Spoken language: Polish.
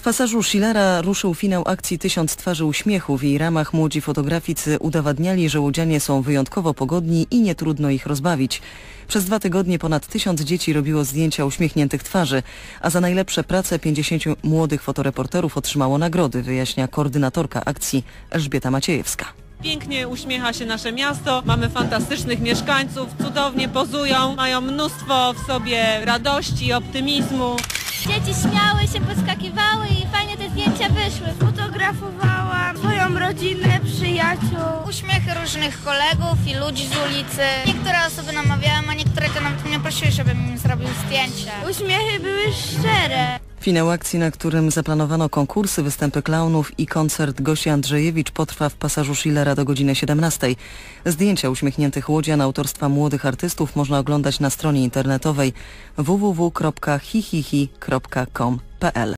Pasażu Schillera ruszył finał akcji 1000 twarzy uśmiechu. W jej ramach młodzi fotograficy udowadniali, że łodzianie są wyjątkowo pogodni i nie trudno ich rozbawić. Przez 2 tygodnie ponad 1000 dzieci robiło zdjęcia uśmiechniętych twarzy, a za najlepsze prace 50 młodych fotoreporterów otrzymało nagrody, wyjaśnia koordynatorka akcji Elżbieta Maciejewska. Pięknie uśmiecha się nasze miasto, mamy fantastycznych mieszkańców, cudownie pozują, mają mnóstwo w sobie radości, optymizmu. Dzieci śmiały się, podskakiwały i fajnie te zdjęcia wyszły. Fotografowałam swoją rodzinę, przyjaciół. Uśmiechy różnych kolegów i ludzi z ulicy. Niektóre osoby namawiałem, a niektóre to nawet mnie prosiły, żebym im zrobił zdjęcie. Uśmiechy były szczere. Finał akcji, na którym zaplanowano konkursy, występy klaunów i koncert Gosi Andrzejewicz, potrwa w Pasażu Schillera do godziny 17. Zdjęcia uśmiechniętych łodzian autorstwa młodych artystów można oglądać na stronie internetowej www.hihihi.com.pl.